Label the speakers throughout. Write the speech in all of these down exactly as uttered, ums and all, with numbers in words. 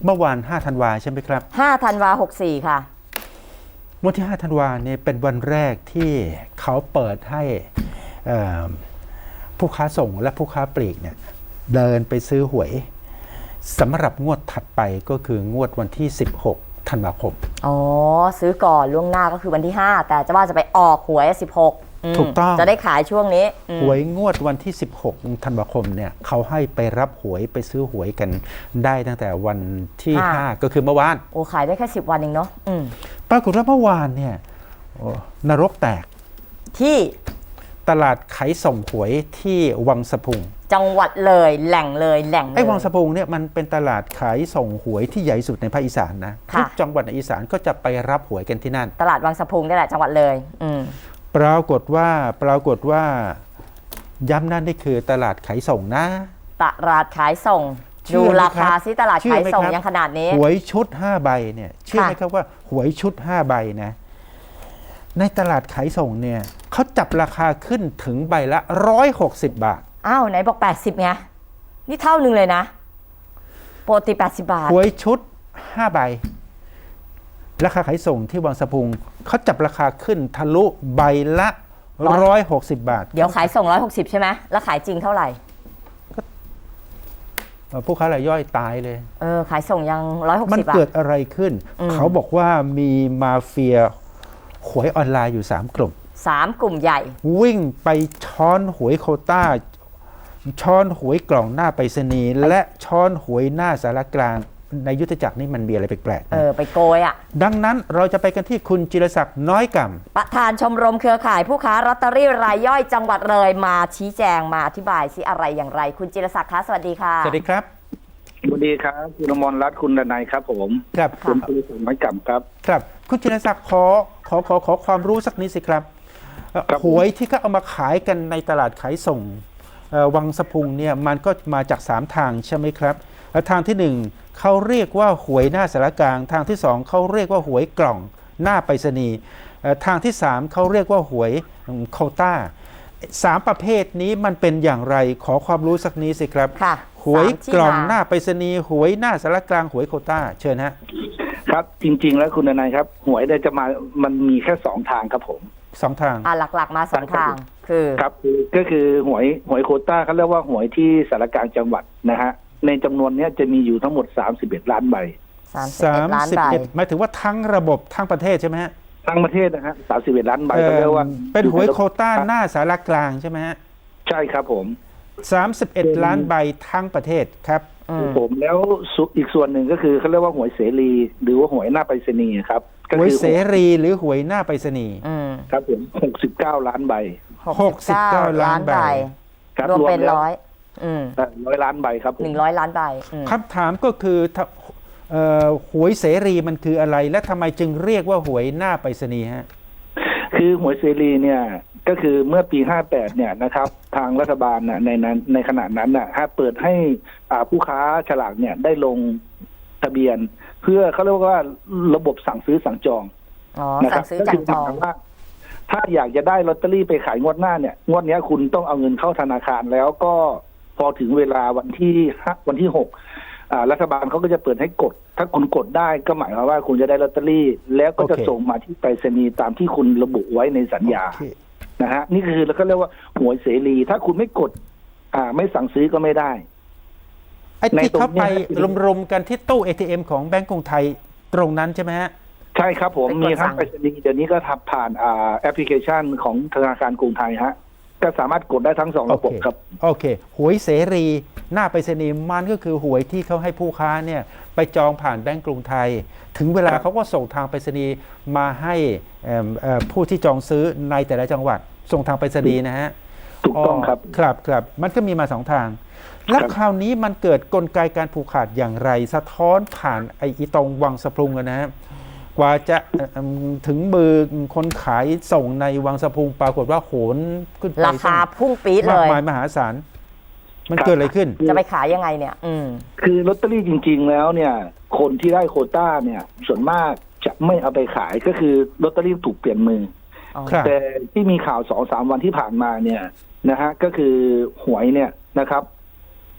Speaker 1: เมื่อวานห้าธันวาใช่ไหมครับ
Speaker 2: ห้าธันวาหกสี่ค่ะ
Speaker 1: วันที่ห้าธันวาเนี่ยเป็นวันแรกที่เขาเปิดให้ผู้ค้าส่งและผู้ค้าปลีกเนี่ยเดินไปซื้อหวยสำหรับงวดถัดไปก็คืองวดวันที่สิบหกธันวาคม
Speaker 2: อ๋อซื้อก่อนล่วงหน้าก็คือวันที่ห้าแต่จะว่าจะไปออกหวยสิบหก
Speaker 1: ถูกต้อง
Speaker 2: จะได้ขายช่วงนี้
Speaker 1: หวยงวดวันที่สิบหกธันวาคมเนี่ยเขาให้ไปรับหวยไปซื้อหวยกันได้ตั้งแต่วันที่ห้าก็คือเมื่อวาน
Speaker 2: โอ้ขายได้แค่สิบวันเองเนาะ
Speaker 1: ปรากฏว่าเมื่อวานเนี่ยนรกแตก
Speaker 2: ที่
Speaker 1: ตลาดขายส่งหวยที่วังสะพุง
Speaker 2: จังหวัดเลยแหล่งเลยแหล่ง
Speaker 1: ไอ้วังสะพุงเนี่ยมันเป็นตลาดขายส่งหวยที่ใหญ่สุดในภาคอีสานนะทุกจังหวัดในอีสานก็จะไปรับหวยกันที่นั่น
Speaker 2: ตลาดวังสะพุงนี่แหละจังหวัดเลยอืม
Speaker 1: ปรากฏว่าปรากฏว่าย้ำนั่นนี่คือตลาดขายส่งนะ
Speaker 2: ตลาดขายส่งดูราคาซิตลาดขายส่งยังขนาดนี้
Speaker 1: หวยชุดห้าใบเนี่ยเชื่อไหมครับว่าหวยชุดห้าใบนะในตลาดขายส่งเนี่ยเขาจับราคาขึ้นถึงใบละร้อยหกสิบบาท
Speaker 2: อ้าวไหนบอกแปดสิบไงนี่เท่านึงเลยนะปกติแปดสิบบาท
Speaker 1: หวยชุดห้าใบราคาขายส่งที่วังสะพุงเขาจับราคาขึ้นทะลุใบละร้อยหกสิบบาท
Speaker 2: เดี๋ยวขายส่งร้อยหกสิบใช่ไหมแล้วขายจริงเท่าไหร่
Speaker 1: ผู้ค้ารายย่อยตายเลย
Speaker 2: เออขายส่งยังร้อยหกสิบ
Speaker 1: มันเกิดอะไรขึ้นเขาบอกว่ามีมาเฟียหวยออนไลน์อยู่สามกลุ่ม
Speaker 2: สามกลุ่มใหญ่
Speaker 1: วิ่งไปช้อนหวยโควต้าช้อนหวยกล่องหน้าไปรษณีย์และช้อนหวยหน้าสารกลางในยุทธจักรนี่มันมีอะไรแปลกๆ
Speaker 2: เออไปโกยอ่ะ
Speaker 1: ดังนั้นเราจะไปกันที่คุณจิรศักดิ์น้อยก่ำ
Speaker 2: ประธานชมรมเครือข่ายผู้ค้าลอตเตอรี่รายย่อยจังหวัดเลยมาชี้แจงมาอธิบายสิอะไรอย่างไรคุณจิรศักดิ์คะสวัสดีค่ะ
Speaker 1: สวัสดีครับ
Speaker 3: สวัสดีครับคุณอมรรัตน์คุณดนัยครับผม
Speaker 1: ครับ
Speaker 3: คุณจิรศักดิ์น้อยก่ำครับ
Speaker 1: ครับคุณจิรศักดิ์ขอขอขอขอความรู้สักนิดสิครับหวยที่เขาเอามาขายกันในตลาดขายส่งวังสะพุงเนี่ยมันก็มาจากสามทางใช่ไหมครับทางที่หนึ่งเขาเรียกว่าหวยหน้าสารกลางทางที่สองเขาเรียกว่าหวยกล่องหน้าไปรษณีย์ทางที่สามเขาเรียกว่าหวยโควต้าสามประเภทนี้มันเป็นอย่างไรขอความรู้สักนิดสิครับหวยกล่องหน้าไปรษณีย์หวยหน้าสารกลางหวยโควต้าเชิญฮะ
Speaker 3: ครับจริงๆแล้วคุณนายครับหวยได้จะมามันมีแค่สองทางครับผม
Speaker 1: สองทาง
Speaker 2: อ่าหลักๆมาสองทางคือ
Speaker 3: ครับก็คือหวยหวยโควต้าเขาเรียกว่าหวยที่สารกลางจังหวัดนะฮะในจำนวนนี้จะมีอยู่ทั้งหมดสามสิบเอ็ดล้านใบ
Speaker 2: สามสิบเอ็ดล้านใบ
Speaker 1: หมายถึงว่าทั้งระบบทั้งประเทศใช่ไหมฮะ
Speaker 3: ทั้งประเทศนะฮะสามสิบเอ็ดล้านใบก็เรียกว่า
Speaker 1: เป็นหวยโควต้าหน้าสารกลางใช่ไหมฮะ
Speaker 3: ใช่ครับผม
Speaker 1: สามสิบเอ็ดล้านใบทั้งประเทศครับ
Speaker 3: ผมแล้วอีกส่วนหนึ่งก็คือเขาเรียกว่าหวยเสรีหรือว่าหวยหน้าไปรษณีย์ครับ
Speaker 1: หวยเสรีหรือหวยหน้าไปรษณีย์
Speaker 3: ครับผมหกสิบเก้าล้านใบ
Speaker 1: หกสิบเก้าล้านใบ
Speaker 2: รวมเป็นร้อย
Speaker 3: ร้อยล้านใบครับ
Speaker 2: หนึ่งร้อยล้านใบ
Speaker 1: คำถามก็คือหวยเสรีมันคืออะไรและทำไมจึงเรียกว่าหวยหน้าไปรษณีย์ฮะ
Speaker 3: คือหวยเสรีเนี่ยก็คือเมื่อปีห้าแปดเนี่ยนะครับทางรัฐบาลน่ะในนั้นในขณะนั้นน่ะเปิดให้ผู้ค้าฉลากเนี่ยได้ลงทะเบียนเพื่อเขาเรียกว่าระบบสั่งซื้อสั่งจอง
Speaker 2: นะครับก็คือสั่งว่า
Speaker 3: ถ้าอยากจะได้ลอตเตอรี่ไปขายงวดหน้าเนี่ยงวดนี้คุณต้องเอาเงินเข้าธนาคารแล้วก็พอถึงเวลาวันที่วันที่หกรัฐบาลเขาก็จะเปิดให้กดถ้าคุณกดได้ก็หมายความว่าคุณจะได้ลอตเตอรี่แล้วก็จะส่งมาที่ไปรษณีย์ตามที่คุณระบุไว้ในสัญญานะฮะนี่คือแล้วก็เรียกว่าหวยเสรีถ้าคุณไม่กดอ่าไม่สั่งซื้อก็ไม่ได้
Speaker 1: ไอ้ที่เขาไปรวมๆกันที่ตู้ เอ ที เอ็ม ของแบงก์กรุงไทยตรงนั้นใช่ไหมฮะ
Speaker 3: ใช่ครับผมมีทั้งไปรษณีย์เดี๋ยวนี้ก็ทำผ่านอ่าแอปพลิเคชันของธนาคารกรุงไทยฮะก็สามารถกดได้ทั้งสองระบบครับ
Speaker 1: โอเคหวยเสรีหน้าไปรษณีย์มันก็คือหวยที่เขาให้ผู้ค้าเนี่ยไปจองผ่านแบงก์กรุงไทยถึงเวลาเขาก็ส่งทางไปรษณีย์มาให้ผู้ที่จองซื้อในแต่ละจังหวัดส่งทางไปรษณีย์นะฮะ
Speaker 3: ถูกต้องครับ
Speaker 1: ครับครับมันก็มีมาสองทางแล้วคราวนี้มันเกิดกลไกการผูกขาดอย่างไรสะท้อนผ่านไอ้ตรงวังสะพุงนะฮะกว่าจะถึงมือคนขายส่งในวังสะพุงปรากฏว่าโหนขึ้นไป
Speaker 2: ราคาพุ่งปี๊ดเลย
Speaker 1: มากมายมหาศาลมันเกิดอะไรขึ้น
Speaker 2: จะไปขายยังไงเนี่ยอืม
Speaker 3: คือลอตเตอรี่จริงๆแล้วเนี่ยคนที่ได้โควต้าเนี่ยส่วนมากจะไม่เอาไปขายก็คือลอตเตอรี่ถูกเปลี่ยนมือแต่ที่มีข่าวสองสามวันที่ผ่านมาเนี่ยนะฮะก็คือหวยเนี่ยนะครับ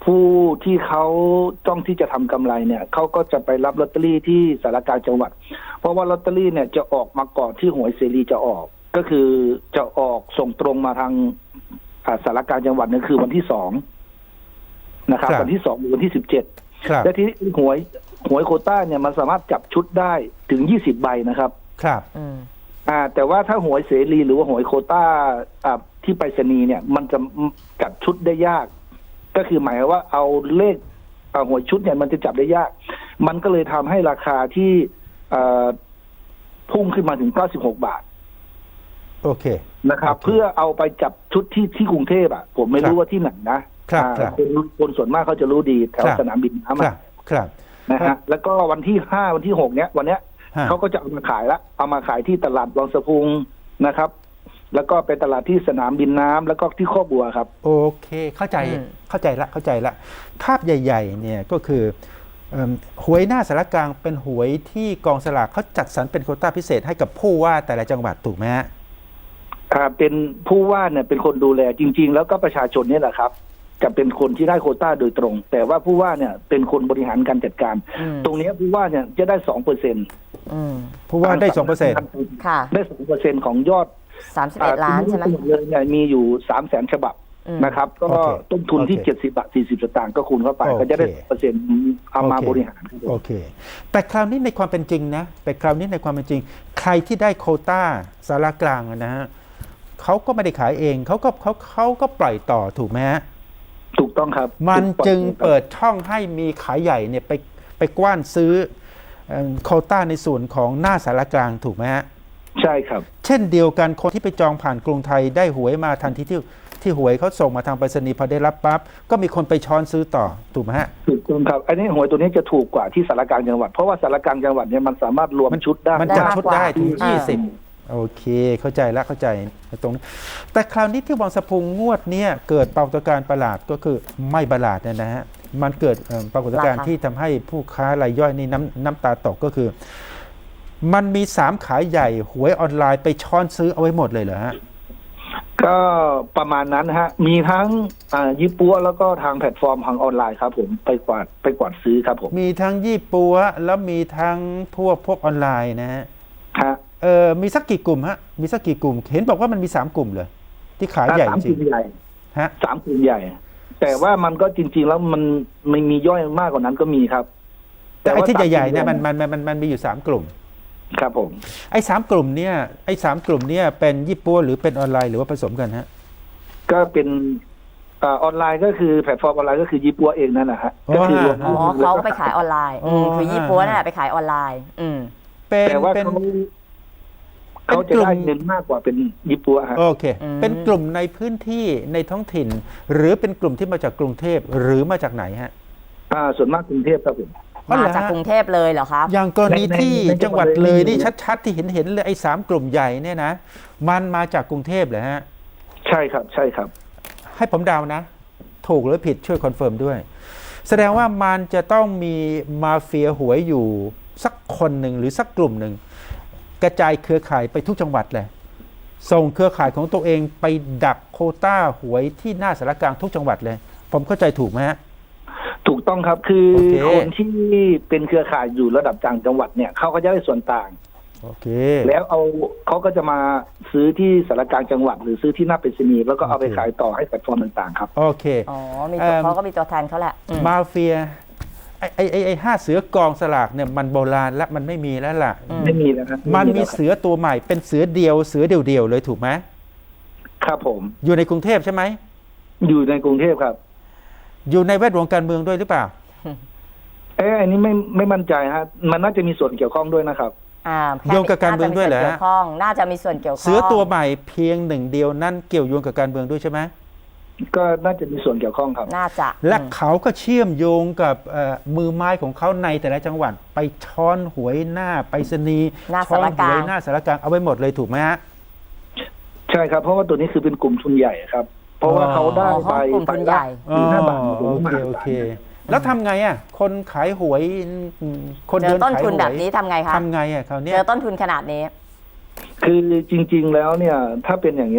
Speaker 3: ผู้ที่เขาต้องที่จะทำกำไรเนี่ยเขาก็จะไปรับลอตเตอรี่ที่สารกลางจังหวัด เพราะว่าลอตเตอรี่เนี่ยจะออกมาก่อนที่หวยเสรีจะออก ก็คือจะออกส่งตรงมาทางอ่าสารกลางจังหวัดเนี่ยคือวันที่สองนะครับ
Speaker 1: ครับ
Speaker 3: วันที่สองหรือวันที่สิบเจ็ด
Speaker 1: ครับ
Speaker 3: และที่หวยหวยโควต้าเนี่ยมันสามารถจับชุดได้ถึงยี่สิบใบนะครับ
Speaker 1: ครับ
Speaker 2: อืม
Speaker 3: อ่าแต่ว่าถ้าหวยเสรีหรือว่าหวยโควต้าอ่าที่ไปรษณีย์เนี่ย มันจะจับชุดได้ยาก ก็คือหมายความว่าเอาเลขอ่าหวยชุดเนี่ยมันจะจับได้ยาก มันก็เลยทำให้ราคาที่อ่าพุ่งขึ้นมาถึงเก้าสิบหกบาท
Speaker 1: โอเค
Speaker 3: นะครับ
Speaker 1: โอเค
Speaker 3: เพื่อเอาไปจับชุดที่ที่กรุงเทพอ่ะผมไม่
Speaker 1: ครับ
Speaker 3: รู้ว่าที่ไหนนะครับ อ่า
Speaker 1: ครับ
Speaker 3: คนคนส่วนมากเขาจะรู้ดีแถว
Speaker 1: ครับ
Speaker 3: สนามบินน้ำ
Speaker 1: ครั
Speaker 3: อะ
Speaker 1: บครับ
Speaker 3: นะฮะแล้วก็วันที่ห้าวันที่หกเนี้ยวันเนี้ย
Speaker 1: ฮะ
Speaker 3: เขาก็จะเอามาขายละเอามาขายที่ตลาดวังสะพุงนะครับ แล้วก็เป็นตลาดที่สนามบินน้ำแล้วก็ที่ข้อบัวครับ
Speaker 1: โอเค เข้าใจ
Speaker 2: อืม
Speaker 1: เข้าใจละ เข้าใจละ ภาพใหญ่ๆ เนี่ยก็คือเอิ่มหวยหน้าสารกลางเป็นหวยที่กองสลากเขาจัดสรรเป็นโควต้าพิเศษให้กับผู้ว่าแต่ละจังหวัดถูกไหมฮะ
Speaker 3: อ่าเป็นผู้ว่าเนี่ยเป็นคนดูแลจริง ๆ แล้วก็ประชาชนเนี่ยแหละครับจะเป็นคนที่ได้โควต้าโดยตรง แต่ว่าผู้ว่าเนี่ยเป็นคนบริหารการจัดการ
Speaker 2: อืม
Speaker 3: ตรงเนี้ยผู้ว่าเนี่ยจะได้สองเปอร์เซ็นต์
Speaker 2: อืม
Speaker 1: ผู้ว่าได้สองเปอร์เซ็นต์
Speaker 2: ค่ะ
Speaker 3: ได้สองเปอร์เซ็นต์ของยอด
Speaker 2: สามสิบเอ็ดล้านใช่ไหม
Speaker 3: ทั้งดเลยเนี่ยมีอยู่สามแสนฉบับ
Speaker 2: อืม
Speaker 3: นะครับ ก็
Speaker 1: โอเค
Speaker 3: ต้นทุนที่
Speaker 1: โอเค
Speaker 3: เจ็ดสิบบาทสี่สิบสตางค์ก็คูณเข้าไป
Speaker 1: โอเค
Speaker 3: ก็จะได้เปอร์เซ็นต์เอามา
Speaker 1: โอเค
Speaker 3: บริหารครับผม
Speaker 1: โอเค แต่คราวนี้ในความเป็นจริงนะแต่คราวนี้ในความเป็นจริง ใครที่ได้โควต้าสารกลางอะนะฮะเขาก็ไม่ได้ขายเองเขาก็เขาเขาก็ปล่อยต่อถูกไหมฮะ
Speaker 3: ถูกต้องครับ
Speaker 1: มันจึง
Speaker 3: ถูกต้องครับ
Speaker 1: เปิดช่องให้มีขายใหญ่เนี่ยไปไปกว้านซื้อเอิ่มโควต้าในส่วนของหน้าสารกลางถูกไหมฮะ
Speaker 3: ใช่ครับ
Speaker 1: เช่นเดียวกันคนที่ไปจองผ่านกรุงไทยได้หวยมาทันทีที่ที่หวยเขาส่งมาทางไปรษณีย์พอได้รับปั๊บก็มีคนไปช้อนซื้อต่อถูกไหมฮะ
Speaker 3: ถูกต้องครับอันนี้หวยตัวนี้จะถูกกว่าที่สารกลางจังหวัดเพราะว่าสารกลางจังหวัดเนี่ยมันสามารถรวมชุดได้
Speaker 1: มันจัดชุดได้ถึง
Speaker 2: อ่า
Speaker 1: ยี่สิบโอเค เข้าใจแล้วเข้าใจตรงนี้แต่คราวนี้ที่วังสะพุงงวดเนี้ยเกิดปรากฏการณ์ประหลาดก็คือไม่ประหลาดเนี่ยนะฮะมันเกิดเอ่อปรากฏการณ์
Speaker 2: ราคา
Speaker 1: ที่ทำให้ผู้ค้ารายย่อยนี่น้ำน้ำตาตกก็คือ มันมีสามขายใหญ่หวยออนไลน์ไปช้อนซื้อเอาไว้หมดเลยเหรอฮะ
Speaker 3: ก็ประมาณนั้นนะฮะมีทั้งอ่ายี่ปัวแล้วก็ทางแพลตฟอร์มทางออนไลน์ครับผมไปกวาดไปกวาดซื้อครับผม
Speaker 1: มีทั้งยี่ปัวแล้วมีทั้งพวกพวกออนไลน์นะฮะ
Speaker 3: ฮะ
Speaker 1: เออมีสักกี่กลุ่มฮะมีสักกี่กลุ่ม เห็นบอกว่ามันมีสามกลุ่มเลยที่ขายใหญ่
Speaker 3: สาม
Speaker 1: จ
Speaker 3: ก
Speaker 1: ริ
Speaker 3: ลุ่
Speaker 1: ง
Speaker 3: มใหญ่
Speaker 1: ฮะ
Speaker 3: สามกลุ่มใหญ่ แต่ว่ามันก็จริง ๆ แล้วมันไม่มีย่อยมากกว่านั้นก็มีครับ
Speaker 1: แต่ไอ้ที่
Speaker 3: ว่า
Speaker 1: ใหญ่ๆเนี่ย
Speaker 3: สา
Speaker 1: มัน
Speaker 3: กลุ่
Speaker 1: มันมันมันมันมีอยู่สามกลุ่ม
Speaker 3: ครับผม
Speaker 1: ไอ้สามกลุ่มเนี่ยไอ้สามกลุ่มเนี่ยเป็นยี่ปัวหรือเป็นออนไลน์หรือว่าผสมกันฮะ
Speaker 3: ก็เป็นอ่าออนไลน์ก็คือแพลตฟอร์มออนไลน์ก็คือยี่ปัวเองนั่นแหละฮะก็คือรวม
Speaker 2: อ๋อเขาไปขายออนไลน์อืม
Speaker 1: อ๋อ
Speaker 2: คือยี่ปัวนั่นแหละไปขายออนไลน์ อืม
Speaker 1: เป็น
Speaker 3: แต่ว่า
Speaker 1: เป็น
Speaker 3: เขาเขาจะได้เงินมากกว่าเป็นยี่ปัวฮะ
Speaker 1: โอเค
Speaker 2: อืม
Speaker 1: เป็นกลุ่มในพื้นที่ในท้องถิ่น หรือเป็นกลุ่มที่มาจากกรุงเทพหรือมาจากไหนฮะ
Speaker 3: อ่าส่วนมากกรุงเทพครับผม
Speaker 1: อ๋อเหร
Speaker 2: มา
Speaker 1: อฮะ
Speaker 2: จากกรุงเทพเลยเหรอครับ
Speaker 1: อย่างกรณี
Speaker 3: ในใน
Speaker 1: ที่
Speaker 3: ในจั
Speaker 1: จัง
Speaker 3: ง
Speaker 1: ห
Speaker 3: หวั
Speaker 1: วัด
Speaker 3: ด
Speaker 1: เลย
Speaker 3: เลย
Speaker 1: นี่ชัดๆที่เห็นเห็นเลยไอ้สามกลุ่มใหญ่เนี่ยนะมันมาจากกรุงเทพเหรอฮะ
Speaker 3: ใช่ครับ ใช่ครับ
Speaker 1: ให้ผมเดานะ ถูกหรือผิดช่วยคอนเฟิร์มด้วย แสดงว่ามันจะต้องมีมาเฟียหวยอยู่สักคนหนึ่งหรือสักกลุ่มหนึ่งกระจายเครือข่ายไปทุกจังหวัดเลยส่งเครือข่ายของตัวเองไปดักโควต้าหวยที่หน้าสารกลางทุกจังหวัดเลย ผมเข้าใจถูกไหมฮะ
Speaker 3: ถูกต้องครับคือ
Speaker 1: โอเค
Speaker 3: คนที่เป็นเครือข่ายอยู่ระดับต่างจังหวัดเนี่ยเขาก็จะได้ส่วนต่าง
Speaker 1: โอเค
Speaker 3: แล้วเอาเขาก็จะมาซื้อที่สารกลางจังหวัด หรือซื้อที่หน้าไปรษณีย์แล้วก็เอาไป
Speaker 1: โอเค
Speaker 3: ขายต่อให้แพลตฟอร์มต่างๆครับ
Speaker 1: โอเค
Speaker 2: อ๋อ มี
Speaker 1: เอิ่
Speaker 2: ตัว
Speaker 1: ม
Speaker 2: เขาก็มีตัวแทนเขาแหละอืม
Speaker 1: มาเฟียไอ้ไอ้ไอ้ไอ้ห้าเสือกองสลากเนี่ยมันโบราณและมันไม่มีแล้วล่ะ
Speaker 2: อืม
Speaker 3: ไม่มีแล้วครับ
Speaker 1: มันมี
Speaker 3: แล้วครับ
Speaker 1: เสือตัวใหม่เป็นเสือเดียวเสือเดียวๆเลยถูกไหม
Speaker 3: ครับผม
Speaker 1: อยู่ในกรุงเทพใช่ไหม
Speaker 3: อยู่ในกรุงเทพครับ
Speaker 1: อยู่ในแวดวงการเมืองด้วยหรือเปล่า
Speaker 3: เอ๊ะอันนี้ไม่ไม่มั่นใจฮะมันน่าจะมีส่วนเกี่ยวข้องด้วยนะครับ
Speaker 2: อ่า
Speaker 1: โยงกับการเมืองด้วยเหรอฮะ
Speaker 2: น่าจะมีส่วนเกี่ยวข้องน่าจะมีส่วนเกี่ยวข้อง
Speaker 1: เสือตัวใหม่เพียงหนึ่งเดียวนั่นเกี่ยวโยงกับการเมืองด้วยใช่ไหม
Speaker 3: ก็น่าจะมีส่วนเกี่ยวข้องครับ
Speaker 2: น่าจะ
Speaker 1: และ
Speaker 2: อืม
Speaker 1: เขาก็เชื่อมโยงกับเอ่อมือไม้ของเขาในแต่ละจังหวัด ไปช้อนหวยหน้าไปรษณีย์
Speaker 2: หน้า
Speaker 1: ช้อน
Speaker 2: สาร
Speaker 1: ห
Speaker 2: กลาง
Speaker 1: วยหน้าสารกลางเอาไว้หมดเลยถูกไหมฮะ
Speaker 3: ใช่ครับ เพราะว่าตัวนี้คือเป็นกลุ่มทุนใหญ่ครับ เพราะว่าเขาได้
Speaker 2: อ๋อ
Speaker 3: ไป
Speaker 2: เขากลุ่มทุนใหญ่
Speaker 3: ไปละห้าบาท
Speaker 1: อ๋อ
Speaker 3: ถึง
Speaker 1: โอ
Speaker 3: ห้า
Speaker 1: เค
Speaker 3: บาท
Speaker 1: โอเค แล้วทำไงอ่ะคนขายหวยอืมคน
Speaker 2: เจ
Speaker 1: เดิ
Speaker 2: อน ต้น
Speaker 1: ขาย
Speaker 2: ทุน
Speaker 1: หว
Speaker 2: แบบ
Speaker 1: ย
Speaker 2: นี้ทำไงคะ
Speaker 1: ทำไงอ่ะคราวเนี้
Speaker 2: เจ
Speaker 1: ย
Speaker 2: อต้นทุนขนาดนี้
Speaker 3: คือจริง ๆ แล้วเนี่ย ถ้าเป็นอย่างเงี้ย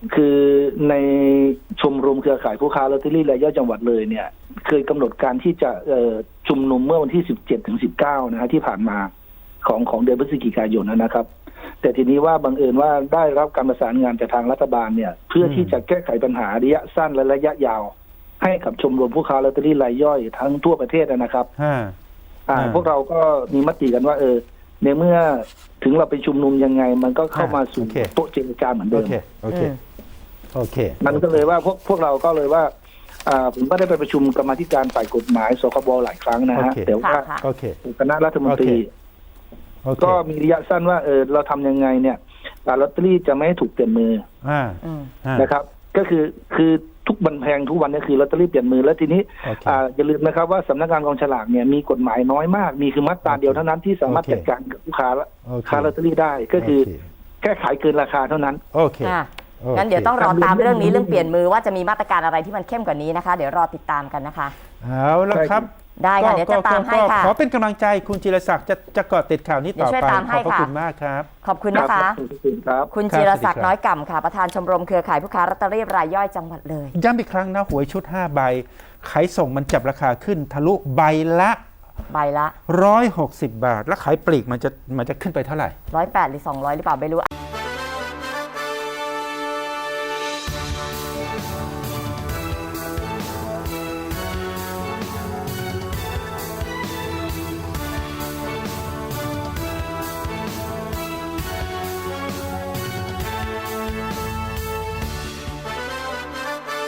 Speaker 3: คือในชมรมเครือข่ายผู้ค้าลอตเตอรี่รายย่อยจังหวัดเลยเนี่ย เคยกำหนดการที่จะเอ่อชุมนุมเมื่อวันที่สิบเจ็ดถึงสิบเก้านะฮะที่ผ่านมาของของเดือนพฤศจิกายนนะครับ แต่ทีนี้ว่าบังเอิญว่าได้รับการประสานงานจากทางรัฐบาลเนี่ย เพื่อที่จะแก้ไขปัญหาระยะสั้นและระยะยาว ให้กับชมรมผู้ค้าลอตเตอรี่รายย่อยทั้งทั่วประเทศนะครับ
Speaker 1: ห้า
Speaker 3: อ่า
Speaker 1: อ่า
Speaker 3: พวกเราก็มีมติกันว่า เออในเมื่อถึงเราไปชุมนุมยังไง มันก็เข้ามาสู่
Speaker 1: โอเค
Speaker 3: โต๊ะเจรจาเหมือน
Speaker 1: โอ
Speaker 3: เดิม
Speaker 1: เคโอเค
Speaker 2: อืม
Speaker 1: โอเค
Speaker 3: มันก็เลยว่าพวกพวกเราก็เลยว่าอ่าผมก็ได้ไปประชุมกรรมาธิการฝ่ายกฎหมายสคบหลายครั้งนะฮะ
Speaker 1: โอเค
Speaker 3: แต่ว่า
Speaker 2: ค่ะ
Speaker 1: โอเค
Speaker 3: คณะรัฐมนตรี
Speaker 1: โอเค
Speaker 3: ก็มีระยะสั้นว่าเออเราทำยังไงเนี่ยอ่าลอตเตอรี่จะไม่ให้ถูกเปลี่ยนมือ
Speaker 1: อ่า
Speaker 2: อืม
Speaker 1: อ่า
Speaker 3: นะครับ ก็คือคือทุกบันแพงทุกวันนี้คือลอตเตอรี่เปลี่ยนมือแล้วทีนี้
Speaker 1: โอเค
Speaker 3: อ่าอย่าลืมนะครับว่าสำนักงานกองฉลากเนี่ยมีกฎหมายน้อยมากมีคือมาตราเดียวเท่านั้นที่สามารถ
Speaker 1: โอเค
Speaker 3: จัดการกับผู้ค้า
Speaker 1: โอเค
Speaker 3: ค้าลอตเตอรี่ได้ก็คือ
Speaker 1: โอเค
Speaker 3: แค่ขายเกินราคาเท่านั้น
Speaker 1: โอเค
Speaker 2: อ่ะ
Speaker 1: โอเค
Speaker 2: งั้นเดี๋ยวต้องรอตามเรื่องนี้เรื่องเปลี่ยนมือว่าจะมีมาตรการอะไรที่มันเข้มกว่านี้นะคะ เดี๋ยวรอติดตามกันนะคะ
Speaker 1: เอาละครับ
Speaker 2: ได้ค่ะเดี๋ยวจะตามให้ค่ะ
Speaker 1: ขอเป็นกำลังใจคุณจิรศักดิ์จะจะเกาะติดข่าวนี้ต่อ
Speaker 2: เดี๋ยวช่วย
Speaker 1: ไป
Speaker 2: ตามให้
Speaker 1: ขอบพระ
Speaker 2: ค่ะ
Speaker 1: คุณมากครับ
Speaker 2: ขอบคุณนะคะ
Speaker 3: ขอบคุณครับ
Speaker 2: คุณ
Speaker 1: ครับ
Speaker 2: จิรศัก
Speaker 1: สวัสดีครับ
Speaker 2: ดิ์น้อยก่ำค่ะ ประธานชมรมเครือข่ายผู้ค้าลอตเตอรี่รายย่อยจังหวัดเลย
Speaker 1: ย้ำอีกครั้งนะหวยชุดห้าใบขายส่งมันจับราคาขึ้นทะลุใบละ
Speaker 2: ใบละ
Speaker 1: ร้อยหกสิบบาท แล้วขายปลีกมันจะมันจะขึ้นไปเท่าไหร่
Speaker 2: ร้อยแปดหรือสองร้อยหรือเปล่าไม่รู้